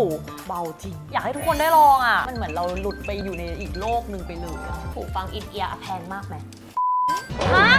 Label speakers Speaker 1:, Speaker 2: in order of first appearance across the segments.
Speaker 1: เบาจริงอยากให้ทุกคนได้ลองอ่ะมันเหมือนเราหลุดไปอยู่ในอีกโลกหนึ่งไปเลยหูฟังอินเอียร์แพงมากไหมฮะ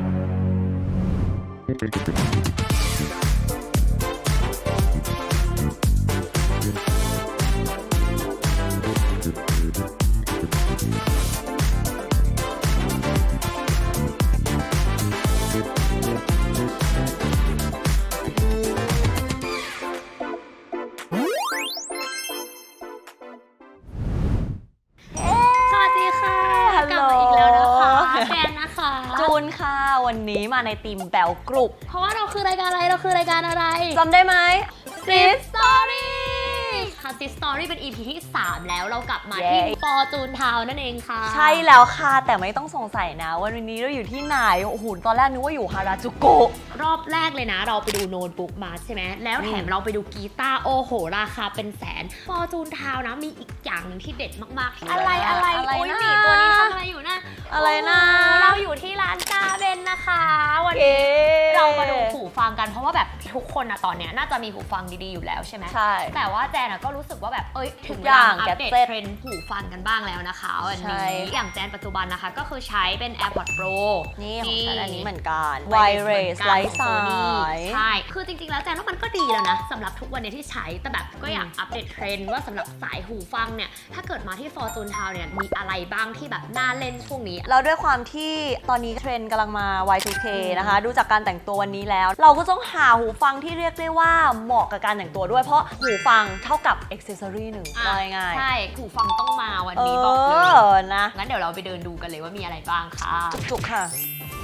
Speaker 1: จูนค่ะวันนี้มาในทีมแบลกรุบ
Speaker 2: เพราะว่าเราคือรายการอะไร
Speaker 1: จำได้ไหม
Speaker 2: Sis Story ค่ะ Sis Story เป็น EP ที่ 3 แล้วเรากลับมาที่ฟอร์จูนทาวน์นั่นเองค่ะ
Speaker 1: ใช่แล้วค่ะแต่ไม่ต้องสงสัยนะวันนี้เราอยู่ที่ไหนโอ้โหตอนแรกนึกว่าอยู่ฮาราจูโกะ
Speaker 2: รอบแรกเลยนะเราไปดูโน้ตบุ๊กมาใช่ไหมแล้วแถมเราไปดูกีตาร์โอ้โหราคาเป็นแสนฟอร์จูนทาวน์นะมีอีกอย่างนึงที่เด็ดมากๆอะไรโอ้ยหมีตัวนี้ทำอะไรอยู่นะ
Speaker 1: อะไรนะ
Speaker 2: เราอยู่ที่ร้านกาเบนนะคะวันนี้เรามาดูหูฟังกันเพราะว่าแบบทุกคนอะตอนเนี้ยน่าจะมีหูฟังดีๆอยู่แล้วใช่ไหม
Speaker 1: ใช่
Speaker 2: แต่ว่าแจนก็รู้สึกว่าแบบถึงเวลาอัปเดตเทรนด์หูฟังกันบ้างแล้วนะคะวันนี้อย่างแจนปัจจุบันนะคะก็คือใช้เป็น AirPods Pro
Speaker 1: นี่ของฉันอันนี้เหมือนกันไวเรสไร้สาย
Speaker 2: ใช่คือจริงๆแล้วแจนว่ามันก็ดีแล้วนะสำหรับทุกวันนี้ที่ใช้แต่แบบก็อยากอัปเดตเทรนด์ว่าสำหรับสายหูฟังเนี่ยถ้าเกิดมาที่ Fortune Town เนี่ยมีอะไรบ้างที่แบบน่าเล่นช่วงนี้
Speaker 1: แล้วด้วยความที่ตอนนี้เทรนด์กำลังมา Y2K นะคะดูจากการแต่งตัววันนี้แล้วเราก็ต้องหาหูฟังที่เรียกได้ว่าเหมาะกับการแต่งตัวด้วยเพราะหูฟังเท่ากับอ็อกเซสซอรี่หนึ่งง่าย
Speaker 2: ๆใช่หูฟังต้องมาวันนี้บอกเลย
Speaker 1: นะ
Speaker 2: งั้นเดี๋ยวเราไปเดินดูกันเลยว่ามีอะไรบ้างค่ะ
Speaker 1: จุกๆค่ะ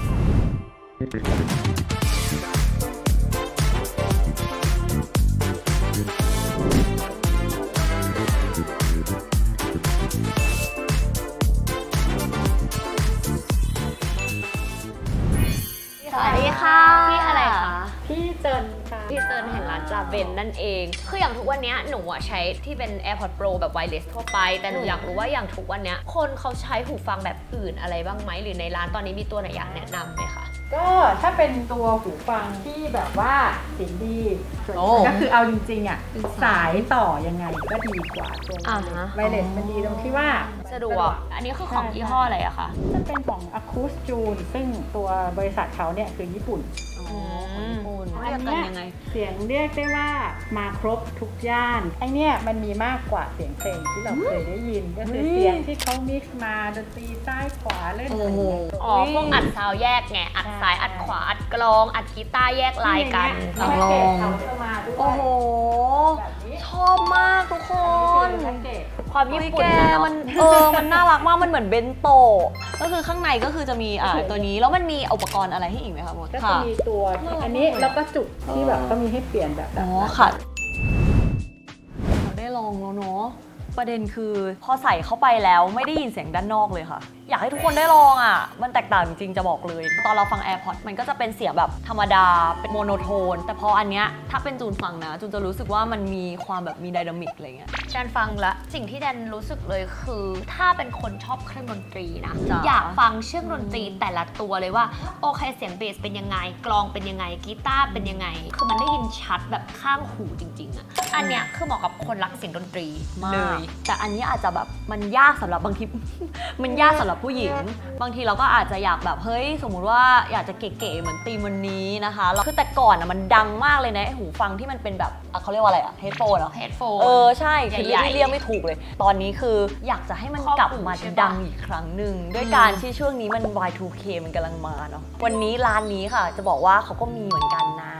Speaker 2: สวัสดีค่ะพี่อะไรคะ
Speaker 3: พี่เจินค่ะ
Speaker 2: พี่เจินแห่งร้านจาเบนนั่นเองคืออย่างทุกวันนี้หนูใช้ที่เป็น AirPods Pro แบบ wireless ทั่วไปแต่หนูอยากรู้ว่าอย่างทุกวันนี้คนเขาใช้หูฟังแบบอื่นอะไรบ้างไหมหรือในร้านตอนนี้มีตัวไหนอยากแนะนำไหมคะ
Speaker 3: ก็ถ้าเป็นตัวหูฟังที่แบบว่าเสียงดีก็คือเอาจริงๆอ่ะสายต่อยังไงก็ดีกว่าตัวไวเลสมันดีตรงที่ว่า
Speaker 2: สะดวกอันนี้คือของยี่ห้ออะไรอะคะ
Speaker 3: จะเป็นของ Acousjune ซึ่งตัวบริษัทเขาเนี่ยคือญี่ปุ่นอันนี้เสียงเรียกได้ว่ามาครบทุกย่านไอเนี่ยมันมีมากกว่าเสียงเพลงที่เราเคยได้ยินก็คือเสียงที่เขามิกซ์มาดนตรีซ้ายขวาเล่นอะไรอย่างเงี้ย
Speaker 2: พวกอัดซาวแยกไงอัดซ้ายอัดขวาอัดกลองอัดกีตาร์แยกลายกัน
Speaker 3: ลอง
Speaker 1: โอ้โหชอบมากทุกคน
Speaker 2: ความญี่ปุ่น
Speaker 1: มันน่ารักมากมันเหมือนเบนโตก็คือข้างในก็คือจะมีตัวนี้แล้วมันมีอุปกรณ์อะไรให้อีกไหมคะมด
Speaker 3: ก็จะมีตัวอันนี้แล้วก็จุกที่แบบก็มีให้เปลี่ยนแบบ
Speaker 1: ค่ะเราได้ลองแล้วเนาะประเด็นคือพอใส่เข้าไปแล้วไม่ได้ยินเสียงด้านนอกเลยค่ะอยากให้ทุกคนได้ลองอ่ะมันแตกต่างจริงๆจะบอกเลยตอนเราฟัง AirPods มันก็จะเป็นเสียงแบบธรรมดาเป็นโมโนโทนแต่พออันเนี้ยถ้าเป็นจูนฟังนะจูนจะรู้สึกว่ามันมีความแบบมีไดนามิกอะไรเงี้ย
Speaker 2: แดนฟังละสิ่งที่แดนรู้สึกเลยคือถ้าเป็นคนชอบเครื่องดนตรีนะอยากฟังเครื่องดนตรีแต่ละตัวเลยว่าโอเคเสียงเบสเป็นยังไงกลองเป็นยังไงกีตาร์เป็นยังไงคือมันได้ยินชัดแบบข้างหูจริงๆอ่ะอันเนี้ยคือเหมาะกับคนรักเสียงดนตรีเลย
Speaker 1: แต่อันนี้อาจจะแบบมันยากสำหรับบางที มันยากสำหรับผู้หญิงบางทีเราก็อาจจะอยากแบบเฮ้ยสมมุติว่าอยากจะเก๋ๆเหมือนธีมวันนี้นะคะคือแต่ก่อนอ่ะมันดังมากเลยนะหูฟังที่มันเป็นแบบเขาเรียกว่าอะไรอะเฮดโฟนเหรอ
Speaker 2: เฮดโฟน
Speaker 1: ใช่คือเรียกไม่ถูกเลยตอนนี้คืออยากจะให้มันกลับมาดังอีกครั้งหนึ่งด้วยการที่ช่วงนี้มัน Y2K มันกำลังมาเนาะวันนี้ร้านนี้ค่ะจะบอกว่าเขาก็มีเหมือนกันนะ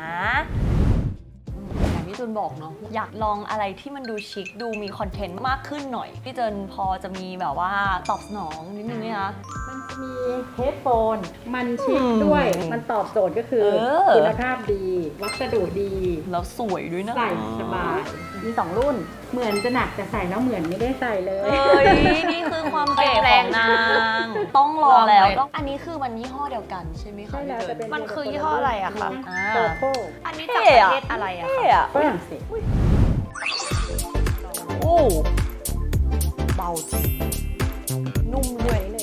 Speaker 1: พี่จูนบอกเนาะอยากลองอะไรที่มันดูชิคดูมีคอนเทนต์มากขึ้นหน่อยพี่เจนพอจะมีแบบว่าตอบสนองนิดนึงไหมคะ
Speaker 3: มันจะมีเฮดโฟนมันชิคด้วยมันตอบโจทย์ก็คือคุณภาพดีวัสดุดี
Speaker 1: แล้วสวยด้วยนะ
Speaker 3: ใส่สบายมี2รุ่นเหมือนจะหนักแต่ใส่แล้วเหมือนไม่ได้ใส่เลย
Speaker 1: นี่คือความเก๋ของนางต้องลองแล้วอันนี้คือมันยี่ห้อเดียวกันใช่ไหมคะ
Speaker 2: มันคือยี่ห้ออะไรอะคะอันนี้จากประเทศอะไรอะคะ
Speaker 3: ฝรั่งเศส
Speaker 1: โอ้เบาจริงนุ่มด้วยเลย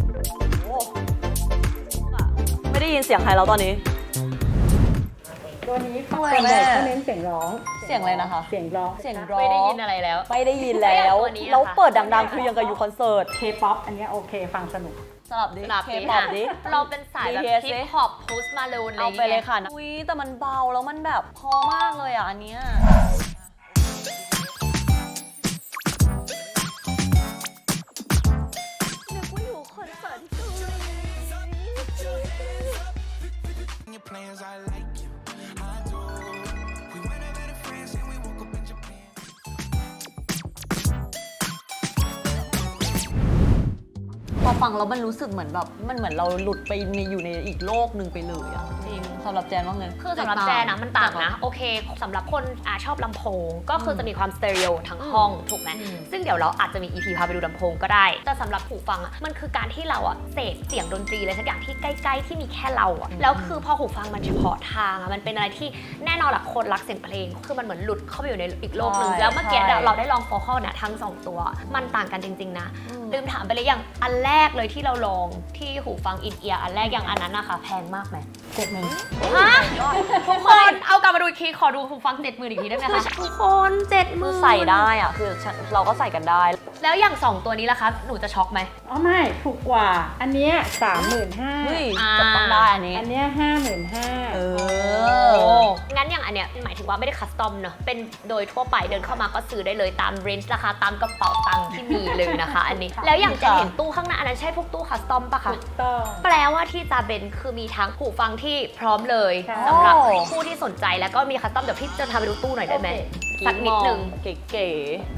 Speaker 1: ไม่ได้ยินเสียงใครแล้วตอนนี้
Speaker 3: โดยตัวนี้ส่วนใหญ่เขาเน้นเสียงร้อง
Speaker 1: เสียงอะไรนะคะ
Speaker 3: เสียงร้อง
Speaker 1: เสียงร้อง
Speaker 2: ไม่ได้ยินอะไรแล้ว
Speaker 1: ไม่ได้ยินแล้ว
Speaker 2: ตัวนี้อะค่ะ
Speaker 1: แล้วเปิดดังๆ คือยังกับอยู่คอนเสิร์ต
Speaker 3: K-POP อันเนี้ยโอเคฟังสนุก
Speaker 1: สลับดิ
Speaker 2: สลับ
Speaker 1: เค
Speaker 2: นี้
Speaker 1: ป๊อป
Speaker 2: ค่ะ
Speaker 1: ดิ
Speaker 2: เราเป็นสายแบบ
Speaker 1: BTS
Speaker 2: ฮิปฮอปโพสต์มาลูนอะไรอ
Speaker 1: เอา
Speaker 2: ย่าง
Speaker 1: ไปเลย
Speaker 2: เงี้ย
Speaker 1: ค่ะอุ้ยแต่มันเบาแล้วมันแบบพอมากเลยอ่ะอันเนี้ยนึกว่าอยู่คอนเสิร์ตที่เกาหลี
Speaker 4: Your plans, I like you. I do. We went over to France and we woke up in Japan.
Speaker 1: พอฟังแล้วมันรู้สึกเหมือนแบบมันเหมือนเราหลุดไปในอยู่ในอีกโลกหนึ่งไปเลยอะ
Speaker 2: จริง
Speaker 1: สำหรับแจนว่าไง
Speaker 2: คือสำหรับแจนนะมันต่างนะ โอเคสำหรับคนชอบลำโพงก็คือจะมีความสเตอริโอทั้งห้องถูกไหมซึ่งเดี๋ยวเราอาจจะมี EP พาไปดูลำโพงก็ได้ แต่สำหรับหูฟังอ่ะมันคือการที่เราอ่ะเสพเสียงดนตรีอะไรสักอย่างที่ใกล้ๆที่มีแค่เราอ่ะแล้วคือพอหูฟังมันเฉพาะทางอ่ะมันเป็นอะไรที่แน่นอนแหละคนรักเสียงเพลงคือมันเหมือนหลุดเข้าไปอยู่ในอีกโลกหนึ่ง
Speaker 1: ใช่
Speaker 2: แล้วเมื่อกี้
Speaker 1: ใช่
Speaker 2: เราได้ลองโฟกัสเนี่ยทั้งสองตัวมันต่างกันจริงๆนะลืมถามไปเลยอย่างอันแรกเลยที่เราลองที่หูฟังอินเอียร์อันแรกอย่างอันนั้นนะคะแพงมากไหม
Speaker 3: 70,000
Speaker 2: ฮะทุกคนเอากลับมาดูอีกทีขอดูหูฟัง70,000อีกทีได้ไหมคะทุกคน70,000
Speaker 1: คือใส่ได้อ่ะคือเราก็ใส่กันได้
Speaker 2: แล้วอย่างสองตัวนี้ล่ะคะหนูจะช็อกไหม
Speaker 3: อ๋อไม่ถูกกว่า อันเนี้ย35,000
Speaker 1: เฮ้ย
Speaker 2: อ่า
Speaker 1: จะต้องได้อันนี้
Speaker 3: อันเนี้ย55,000
Speaker 1: เอ
Speaker 2: โอ้
Speaker 1: อ
Speaker 2: งั้นอย่างอันเนี้ยหมายถึงว่าไม่ได้คัสตอมเนอะเป็นโดยทั่วไปเดินเข้ามาก็ซื้อได้เลยตามเรนจ์ราคาตามกระเป๋าตังค์ที่มีเลยนะคะ อันนี้ แล้วอย่างจะเห็นตู้ข้างหน้าอันนั้นใช่พวกตู้คัสตอมปะคะ
Speaker 3: ถูกต้อง
Speaker 2: แปลว่าที่จาเบนคือมีทั้งหูฟังที่พร้อมเลย
Speaker 3: ใช่
Speaker 2: สำหรับผู้ที่สนใจแล้วก็มีคัสตอมเดี๋ยวพี่จะพาไปดูตู้หน่อยได้ไหม สักนิดนึง
Speaker 1: เก๋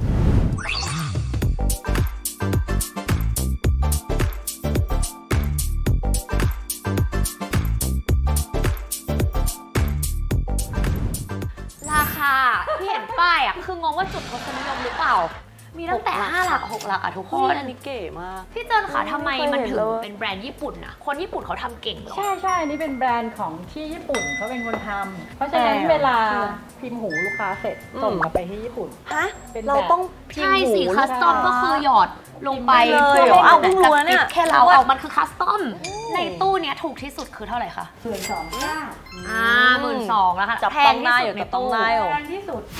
Speaker 2: ราคาที่เห็นป้ายอ่ะคืองงว่าจุดทศนิยมหรือเปล่า มีตั้งแต่5หลัก6หลักอ่ะทุก
Speaker 1: ๆ
Speaker 2: ค
Speaker 1: เฮ้ย
Speaker 2: น
Speaker 1: อันนี้เก๋มาก
Speaker 2: พี่เจินค่ะทำไมมันถึง
Speaker 1: ไม่เคยเห็นเลย
Speaker 2: เป็นแบรนด์ญี่ปุ่นนะคนญี่ปุ่นเขาทำเก่งเหรอ
Speaker 3: ใช่ใช่อันนี้เป็นแบรนด์ของที่ญี่ปุ่นเขาเป็นคนทำเพราะฉะนั้นเวลาพิมพ์หูลูกค้าเสร็จส่งกลับไปที่ญี่ปุ่น
Speaker 1: ฮะ
Speaker 3: เป็นแบบ
Speaker 1: เราต้องพิม
Speaker 2: ใช่
Speaker 1: พ์หู
Speaker 2: สิคัสตอมก็คือหยอดลงไป
Speaker 1: ไปเลย
Speaker 2: พื่
Speaker 1: เหรอ
Speaker 2: ให้
Speaker 1: อ้าวเพิ่งรู้นะเนี่ย
Speaker 2: แค่เราเอามันคือคัสตอมในตู้เนี้ยถูกที่สุดคือเท่าไหร่คะ
Speaker 3: 12,900
Speaker 2: 12,000แล้วค่ะ
Speaker 1: จับ
Speaker 2: แพ
Speaker 1: ต้อง ง
Speaker 2: ที่
Speaker 1: ได้
Speaker 2: สุ
Speaker 1: อ
Speaker 2: ด
Speaker 1: ยู่
Speaker 2: ใน
Speaker 1: จับต้อง
Speaker 2: ตู้
Speaker 1: ได้อยู่
Speaker 3: แพงที่สุด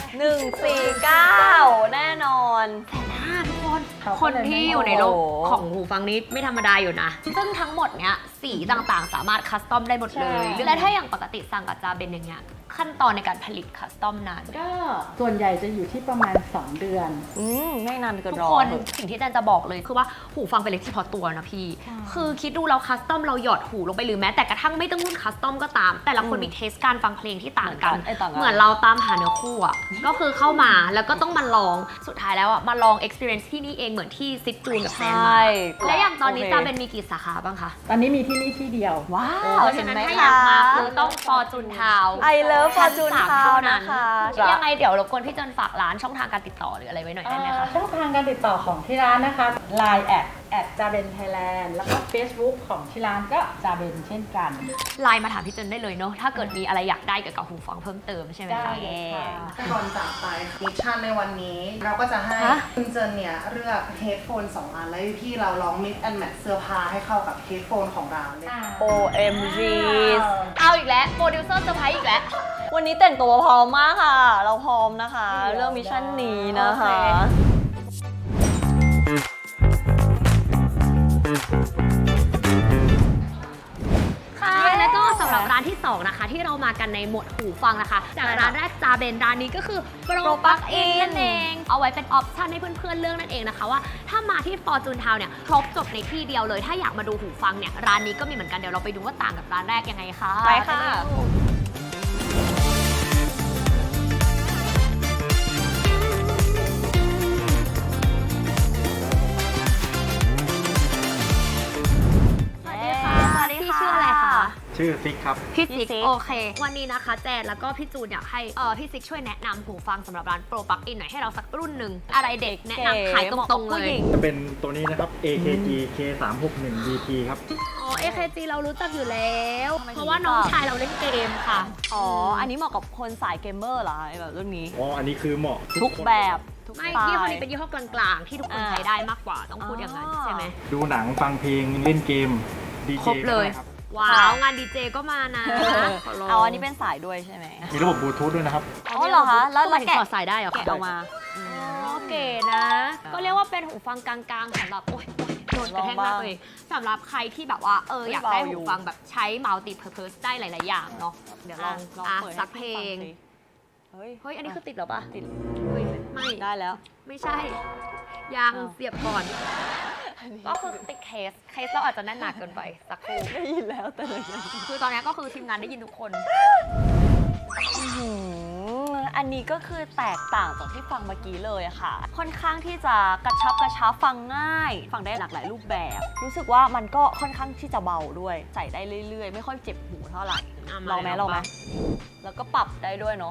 Speaker 1: 149 แน่นอน
Speaker 2: ทุกคน
Speaker 3: เขาก็
Speaker 2: คน
Speaker 3: เลย
Speaker 2: ที่
Speaker 3: ไม่
Speaker 2: อยู่ในโลก
Speaker 1: โอ้โห
Speaker 2: ของหูฟังนี้ไม่ธรรมดาอยู่นะ ซึ่งทั้งหมดเนี้ยสีต่างๆ สามารถคัสตอมได้หมดเลย และถ้าอย่างปกติสั่งกับจาเบนอย่างเงี้ยขั้นตอนในการผลิตคัสตอมนาน
Speaker 3: ก็ส่วนใหญ่จะอยู่ที่ประมาณ 2 เดือน
Speaker 1: ไม่นานเกิน
Speaker 2: ทุก
Speaker 1: รอ
Speaker 2: คน
Speaker 1: เถอะ
Speaker 2: สิ่งที่แจนจะบอกเลยคือว่าหูฟังเป็นเล็กที่พอตัวนะพี่ คือคิดดูเราคัสตอมเราหยอดหูลงไปหรือแม้แต่กระทั่งไม่ต้องรุ่นคัสตอมก็ตาม แต่ละคนมีเทสการฟังเพลงที่ต่างกัน เหมือนเราตามหาเนื้อคู่อ่ะ ก็คือเข้ามาแล้วก็ต้องมาลองสุดท้ายแล้วอ่ะมาลอง experience ที่นี่เองเหมือนที่ซิดจูนกับแจนมา และอย่างตอนนี้
Speaker 1: โอเค
Speaker 2: จาเป็นมีกี่สาขาบ้างคะ
Speaker 3: ตอนนี้มีที่นี่ที่เดียว
Speaker 1: ว้า
Speaker 2: เพ
Speaker 1: ว
Speaker 2: ราะ
Speaker 1: เห็
Speaker 2: ฉะ
Speaker 1: น
Speaker 2: นั้น
Speaker 1: ไหม
Speaker 2: ถ้าอ
Speaker 1: คะ
Speaker 2: ยากมาคือต้องฟอร์จูนทาว
Speaker 1: I love Fortune Town นะคะ
Speaker 2: ยังไงเดี๋ยวรบกวนพี่เจนฝากร้านช่องทางการติดต่อหรืออะไรไว้หน่อยได้ไหมคะ
Speaker 3: ช่องทางการติดต่อของที่ร้านนะคะ Line แอดจาเบนไทยแลนด์แล้วก็ Facebook ของที่ร้านก็จาเบนเช่นกัน
Speaker 2: ไลน์มาถามพี่เจนได้เลยเนาะถ้าเกิดมีอะไรอยากได้เกี่ยวกับหูฟังเพิ่มเติมใช่ไหม
Speaker 3: ได้
Speaker 2: คะ
Speaker 3: เลยค่ะ
Speaker 5: ก่อนจากไปมิชชั่นในวันนี้ เราก็จะให้
Speaker 2: ฮะ
Speaker 5: คุณเจนเนี่ยเลือกเฮดโฟน2 อัน แล้วพี่เราลอง mix and match เสื้อผ้าให้เข้ากับเฮดโฟนของเราเลย
Speaker 1: OMG
Speaker 2: เอาอีกแล้วโปรดิวเซอร์เซอร์ไพรส์อีกแล้ว
Speaker 1: วันนี้แต่งตัวพร้อมมากค่ะ เราพร้อมนะคะ เรื่องมิชชั่นนี้นะคะ
Speaker 2: ค่ะแล้วก็สำหรับร้านที่ 2 นะคะ ที่เรามากันในหมวดหูฟังนะคะ จากร้านแรกจาเบนร้านนี้ก็คือโปรปักอินนั่นเอง เอาไว้เป็นออปชั่นให้เพื่อนๆเลือกนั่นเองนะคะว่าถ้ามาที่ฟอร์จูนทาวเนี่ยครบจบในที่เดียวเลย ถ้าอยากมาดูหูฟังเนี่ยร้านนี้ก็มีเหมือนกันเดี๋ยวเราไปดูว่าต่างกับร้านแรกยังไงค่ะ
Speaker 1: ไปค่ะ
Speaker 2: สวัสดีค่ะพี่ชื่ออะไรคะ
Speaker 6: ชื่อซิกครับ
Speaker 2: พี่ซิก
Speaker 1: พี่ซิก
Speaker 2: โอเค วันนี้นะคะแจนแล้วก็พี่จูนอยากให้พี่ซิกช่วยแนะนำหูฟังสำหรับร้านโปรปักอินหน่อยให้เราสักรุ่นหนึ่งอะไรเด็กแนะนำขายตรงๆเลย
Speaker 6: จะเป็นตัวนี้นะครับ AKG K361 DP ครับ
Speaker 2: อ๋อ AKG เรารู้จักอยู่แล้ว
Speaker 1: ทำไมถึง
Speaker 2: เพราะว่าน้องชายเราเล่นเกมค่ะ
Speaker 1: อ๋อ อันนี้เหมาะกับคนสายเกมเมอร์เหรอไอ้แบบรุ่นนี้
Speaker 6: อ๋อ อันนี้คือเหมาะ
Speaker 1: ทุก
Speaker 6: คน
Speaker 1: แบบทุก
Speaker 2: ไม่
Speaker 1: สไต
Speaker 2: ยี่ห้อ
Speaker 1: ล์
Speaker 2: นี้เป็นยี่ห้อกลางๆ ที่ทุกคนใช้ได้มากกว่าต้องพูดอย่างนั้นใช่ไหม
Speaker 6: ดูหนังฟังเพลงเล่นเกม ดีเจ
Speaker 2: ครบเลย
Speaker 6: ครับ
Speaker 2: ว้าวงานดีเจก็มานะขลง
Speaker 1: เอาอันนี้เป็นสายด้วยใช่ไหม
Speaker 6: มีระบบบลูทูธด้วยนะครับ
Speaker 1: อ๋อเหรอคะแล้ว
Speaker 2: มัน
Speaker 1: แกะ
Speaker 2: ถอดสายได้เหรอ
Speaker 1: แกะออกมา
Speaker 2: อ๋อเก๋นะ ก็เรียกว่าเป็นหูฟังกลางๆสำหรับโอ๊ยโดนกระแทกมากเลยสำหรับใครที่แบบว่าอยากได้หูฟังแบบใช้มัลติเพอร์เพสได้หลายๆอย่างเนาะ
Speaker 1: เดี๋ยวลองเปิดให้
Speaker 2: สักเพลง
Speaker 1: สิเฮ้ย
Speaker 2: เฮ้ยอันนี้คือติดเหรอปะ
Speaker 1: ติด
Speaker 2: เฮ้ยไม่
Speaker 1: ได้แล้ว
Speaker 2: ไม่ใช่ยัง
Speaker 1: อ้าว
Speaker 2: เสียบก่อน ก็คือติดเคสเราอาจจะแน่นหนักเกินไปสักครู่
Speaker 1: ได้ยินแล้วแต่เลยยัง
Speaker 2: คือตอนนี้ก็คือทีมงานได้ยินทุกคน
Speaker 1: อันนี้ก็คือแตกต่างจากที่ฟังเมื่อกี้เลยอะค่ะ ค่อนข้างที่จะกระชับฟังง่าย ฟังได้หลากหลายรูปแบบ รู้สึกว่ามันก็ค่อนข้างที่จะเบาด้วย ใส่ได้เรื่อยๆ ไม่ค่อยเจ็บหูเท่าไหร่
Speaker 2: อ่ะ
Speaker 1: ลองไหม
Speaker 2: มา
Speaker 1: ลองไหม
Speaker 2: ลอง
Speaker 1: แล้วก็ปรับได้ด้วยเนาะ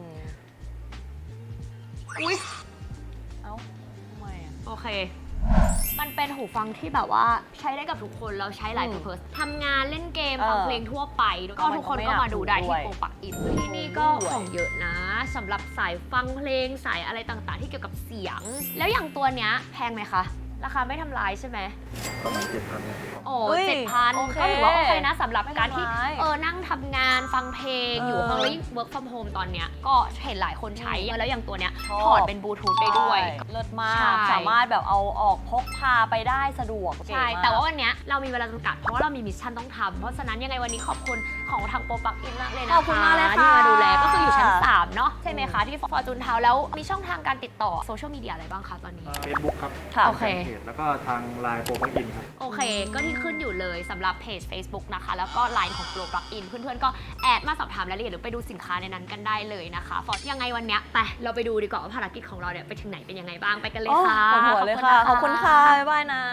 Speaker 2: อุ้ย
Speaker 1: เอ้าทำไมอะ
Speaker 2: โอเค มันเป็นหูฟังที่แบบว่าใช้ได้กับทุกคนแล้วใช้หลายเพอร์เพสทำงานเล่นเกมฟังเพลงทั่วไปก็ทุกคนก็มาดูได้ที่โปรปักอินที่นี่ก็ของเยอะนะสำหรับสายฟังเพลงสายอะไรต่างๆ ที่เกี่ยวกับเสียง แล้วอย่างตัวเนี้ยแพงไหมคะ ราคาไม่ทำลายใช่ไหม
Speaker 6: ประมาณ7,000
Speaker 2: โอ้
Speaker 1: เฮ้ย
Speaker 2: 7,000
Speaker 1: โอเค
Speaker 2: ก็ถือว่าโอเคนะสำหรับการที่
Speaker 1: ไม่ทำร้าย
Speaker 2: นั่งทำงานฟังเพลงอยู่ห้องแล้วยิ่ง work from home ตอนเนี้ยก็เห็นหลายคนใช้แล้วอย่างตัวเนี้ย
Speaker 1: ชอบ
Speaker 2: ถอดเป็นบลูทูธได้ด้วย
Speaker 1: ใช่เลิศมา
Speaker 2: ใช่
Speaker 1: ก สามารถแบบเอาออกพกพาไปได้สะดวก
Speaker 2: ใช่
Speaker 1: เก๋มก
Speaker 2: แต่ว่าวันเนี้ยเรามีเวลาจำกัดเพราะว่าเรามีมิชชั่นต้องทำเพราะฉะนั้นยังไงวันนี้ขอบคุณของทางโปรปักอินมากเลยนะคะ
Speaker 1: ขอบคุณมากเลยค่ะ
Speaker 2: ที่มาดูแลก็คืออยู่ชั้น 3 เนาะใช่ไหมคะ ที่ฟอร์จูนเทาแล้วมีช่องทางการติดต่อโซเชียลมีเดียอะไรบ้างคะตอนนี้
Speaker 6: เฟซบุ๊กครับ
Speaker 1: ค่ะ
Speaker 2: โอเค
Speaker 6: ทางเพจแล้วก็ทางไลน์โปรปักอินครับ
Speaker 2: โอเค ก็ที่ขึ้นอยู่เลยสำหรับเพจ Facebook นะคะ แล้วก็ Line ของ Pro Plugin เพื่อนๆ ก็แอดมาสอบถามรายละเอียดหรือไปดูสินค้าในนั้นกันได้เลยนะคะฟอร์ยังไงวันเนี้ยไปเราไปดูดีกว่าว่าภารกิจของเราเนี่ยไปถึงไหนเป็นยังไงบ้างไปกันเลย
Speaker 1: โอ้
Speaker 2: ค่ะ
Speaker 1: ปวดหัวเลยค่ะ ขอบคุณค่ะ บ๊ายบายนะ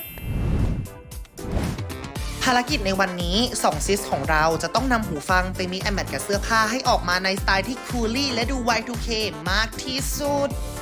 Speaker 5: ภารกิจในวันนี้2ซิสของเราจะต้องนำหูฟังไปมิกแอนด์แมทกับเสื้อผ้าให้ออกมาในสไตล์ที่คูลี่และดู Y2K มากที่สุด